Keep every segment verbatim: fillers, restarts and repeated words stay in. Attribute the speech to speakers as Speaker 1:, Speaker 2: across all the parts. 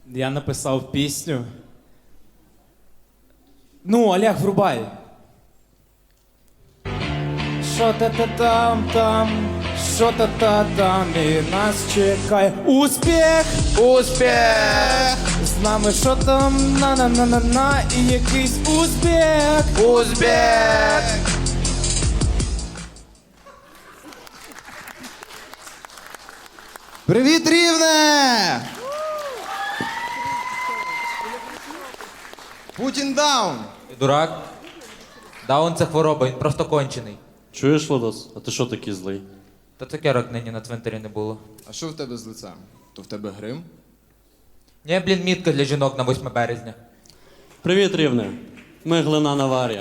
Speaker 1: Я написав пісню. Ну, Олег, врубай. Що та та там там, що та та там, і нас чекає успіх,
Speaker 2: Успіх!
Speaker 1: з нами що там, на на на на на і якийсь успіх.
Speaker 2: Успіх! Привіт, Рівне! Путін даун!
Speaker 3: Ти дурак? Даун це хвороба, він просто кончений.
Speaker 4: Чуєш, Владос? А ти що такий злий?
Speaker 3: Та цукерок нині на цвинтарі не було.
Speaker 2: А що в тебе з лицем? То в тебе грим?
Speaker 3: Ні, блін, мітка для жінок на восьме березня.
Speaker 4: Привіт, Рівне. Ми Глина Аварія.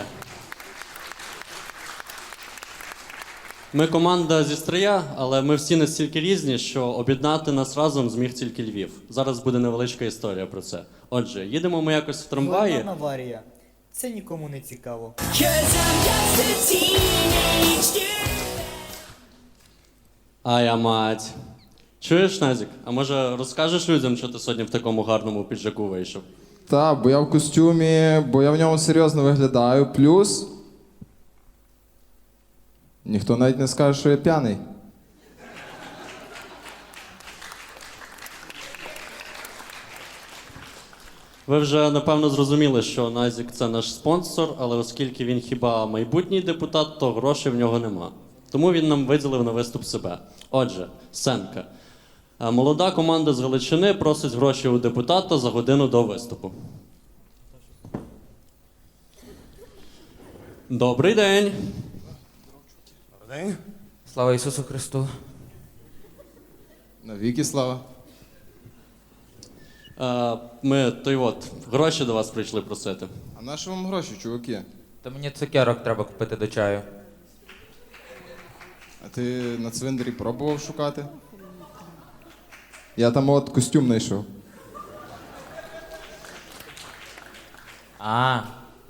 Speaker 4: Ми команда зі Стрия, але ми всі настільки різні, що об'єднати нас разом зміг тільки Львів. Зараз буде невеличка історія про це. Отже, їдемо ми якось в трамваї.
Speaker 5: Глина Аварія. Це нікому не цікаво.
Speaker 4: А я мать. Чуєш, Назік? А може розкажеш людям, що ти сьогодні в такому гарному піджаку вийшов?
Speaker 6: Та, бо я в костюмі, бо я в ньому серйозно виглядаю. Плюс. Ніхто навіть не скаже, що я п'яний.
Speaker 4: Ви вже напевно зрозуміли, що Назік це наш спонсор, але оскільки він хіба майбутній депутат, то грошей в нього нема. Тому він нам виділив на виступ себе. Отже, сценка. Е, Молода команда з Галичини просить гроші у депутата за годину до виступу. Добрий день.
Speaker 3: Слава Ісусу Христу.
Speaker 6: Навіки слава.
Speaker 4: Е, Ми, той от, гроші до вас прийшли просити.
Speaker 6: А на що вам гроші, чуваки?
Speaker 3: Та мені цукерок треба купити до чаю.
Speaker 6: А ти на цвинтарі пробував шукати? Я там от костюм знайшов.
Speaker 3: А,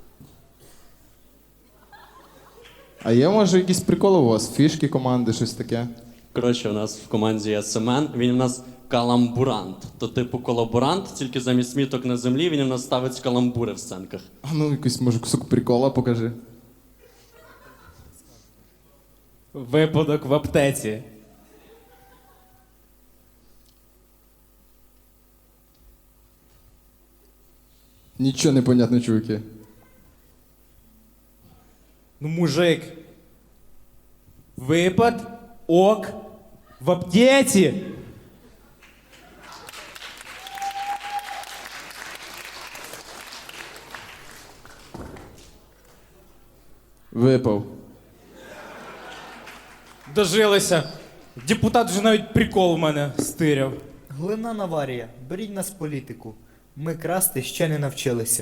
Speaker 6: А є, може, якісь приколи у вас? Фішки команди, щось таке?
Speaker 4: Коротше, у нас в команді є Семен, він у нас каламбурант. То типу колаборант, тільки замість міток на землі він у нас ставить каламбури в сценках.
Speaker 6: А ну, якийсь, може, кусок прикола покажи.
Speaker 1: Випадок в аптеці.
Speaker 6: Нічого не понятно, чуваки.
Speaker 1: Ну, мужик. Випад, ок, в аптеці.
Speaker 6: Випав.
Speaker 1: Дожилися. Депутат вже навіть прикол в мене стиряв.
Speaker 5: Глина Аварія. Беріть нас в політику. Ми красти ще не навчилися.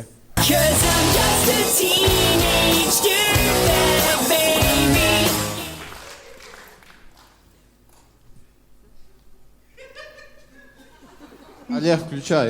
Speaker 6: Олег, включай.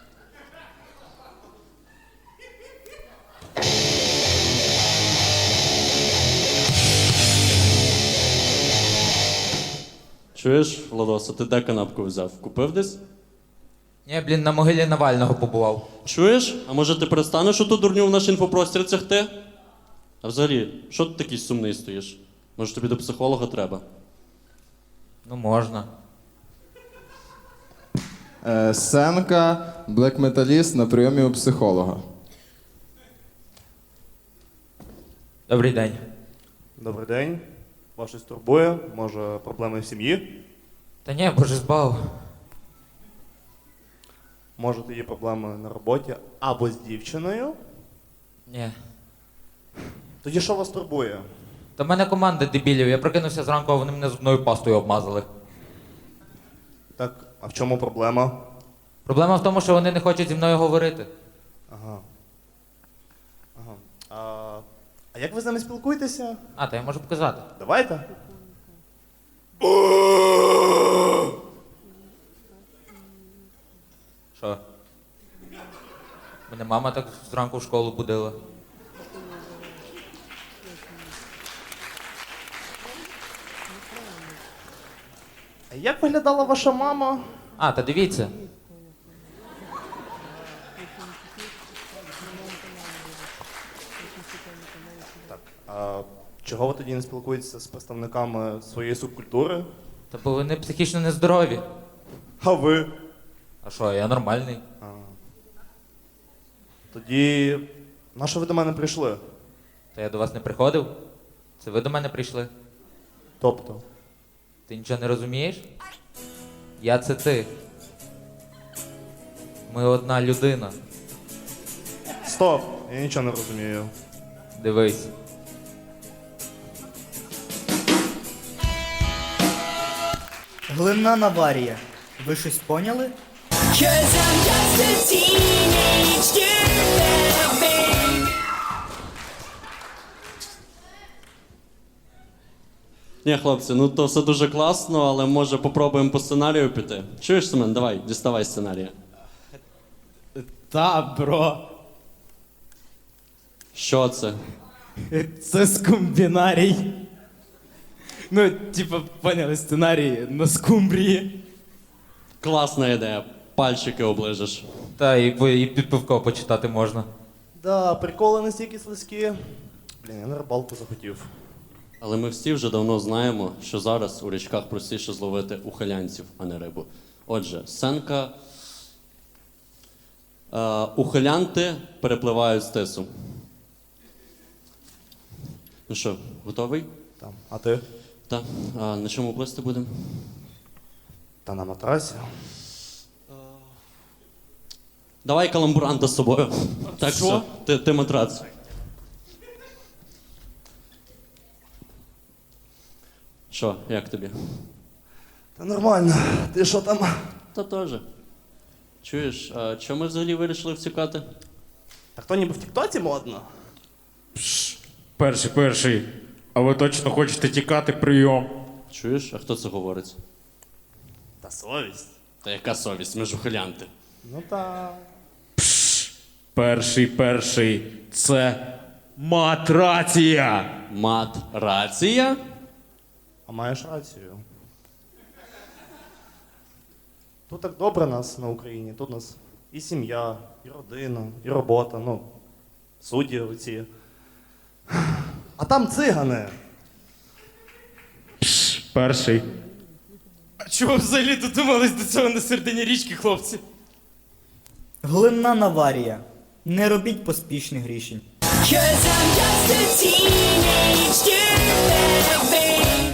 Speaker 4: Чуєш, Владоса, ти де канапку взяв? Купив десь?
Speaker 3: ні, блін, на могилі Навального побував.
Speaker 4: Чуєш? А може ти перестанеш оту дурню в наш інфопростір цягти? А взагалі, що ти такий сумний стоїш? Може тобі до психолога треба?
Speaker 3: Ну, можна.
Speaker 6: Е, Сценка, блек-металіст на прийомі у психолога.
Speaker 3: Добрий день.
Speaker 7: Добрий день. Вас щось турбує? Може, проблеми в сім'ї?
Speaker 3: Та ні, боже збав.
Speaker 7: Може, є проблеми на роботі або з дівчиною?
Speaker 3: Ні.
Speaker 7: Тоді що вас турбує?
Speaker 3: Та в мене команда дебілів, я прокинувся зранку, а вони мене зубною пастою обмазали.
Speaker 7: Так, а в чому проблема?
Speaker 3: Проблема в тому, що вони не хочуть зі мною говорити.
Speaker 7: Ага. Ага. А, а як ви з ними спілкуєтеся?
Speaker 3: А, то я можу показати.
Speaker 7: Давайте.
Speaker 3: Що? Мене мама так зранку в школу будила.
Speaker 7: А як виглядала ваша мама?
Speaker 3: А, та дивіться.
Speaker 7: чого ви тоді не спілкуєтеся з представниками своєї субкультури?
Speaker 3: Та бо вони психічно нездорові.
Speaker 7: А ви?
Speaker 3: А що, я нормальний.
Speaker 7: А. Тоді на що ви до мене прийшли?
Speaker 3: Та я до вас не приходив? Це ви до мене прийшли?
Speaker 7: Тобто?
Speaker 3: Ти нічого не розумієш? Я це ти. Ми одна людина.
Speaker 7: Стоп! Я нічого не розумію.
Speaker 3: Дивись.
Speaker 5: Глинна Наварія. Ви щось поняли?
Speaker 8: Cause I'm just a teenage dirtbag, babe.
Speaker 4: Ні, хлопці, ну то все дуже класно, але може попробуємо по сценарію піти. Чуєш, Семен, давай, діставай сценарія.
Speaker 1: Та, бро.
Speaker 4: Що це?
Speaker 1: Це скумбінарій. Ну, типа, поняли, сценарій на скумбрії.
Speaker 4: Класна ідея. Пальчики оближеш.
Speaker 3: Та і, по- і під пивко почитати можна.
Speaker 7: Да, приколи настільки слизькі. Блін, я на рибалку захотів.
Speaker 4: Але ми всі вже давно знаємо, що зараз у річках простіше зловити ухилянців, а не рибу. Отже, сценка. Е, ухилянти перепливають з тису. Ну що, готовий?
Speaker 7: Там. А ти?
Speaker 4: Так. А на чому плисти будемо?
Speaker 7: Та на матрасі.
Speaker 4: Давай каламбуранта з собою. Так
Speaker 1: Що?
Speaker 4: що, ти, ти матрац. Що, як тобі?
Speaker 7: Та нормально. Ти що там?
Speaker 4: Та теж. Чуєш, а чому ми взагалі вирішили втікати?
Speaker 7: Та хто ніби в Тіктоці модно?
Speaker 1: Перший, перший. А ви точно хочете тікати прийом?
Speaker 4: Чуєш, а хто це говорить?
Speaker 7: Та совість.
Speaker 4: Та яка совість, ми ж ухилянти.
Speaker 7: Ну та.
Speaker 1: Перший, перший. Це матрація.
Speaker 4: Мат рація?
Speaker 7: А маєш рацію. Тут так добре нас на Україні. Тут у нас і сім'я, і родина, і робота, ну, судді оці. А там цигани.
Speaker 1: Перший. А чого взагалі додумались до цього на середині річки, хлопці?
Speaker 5: Глинна Наварія. Не робіть поспішних рішень.
Speaker 8: Cause I'm just a teenage dirtbag, babe.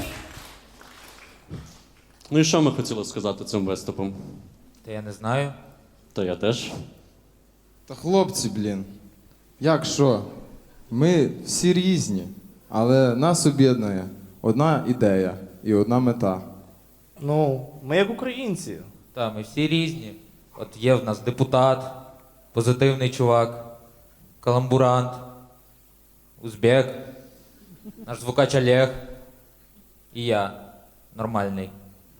Speaker 4: Ну і що ми хотіли сказати цим виступом?
Speaker 3: Та я не знаю.
Speaker 4: Та я теж.
Speaker 6: Та хлопці, блін. Як що? Ми всі різні, але нас об'єднує одна ідея і одна мета.
Speaker 7: Ну, ми як українці.
Speaker 3: Та, ми всі різні. От є в нас депутат, позитивний чувак, каламбурант, узбек, наш звукач Олег і я нормальний.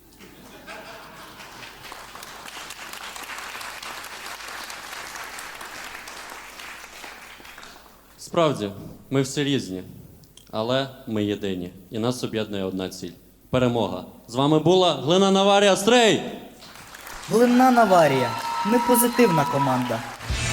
Speaker 4: Справді, ми всі різні, але ми єдині. І нас об'єднує одна ціль. Перемога. З вами була Глина Наварія Стрей!
Speaker 5: Глинна Наварія. Ми позитивна команда.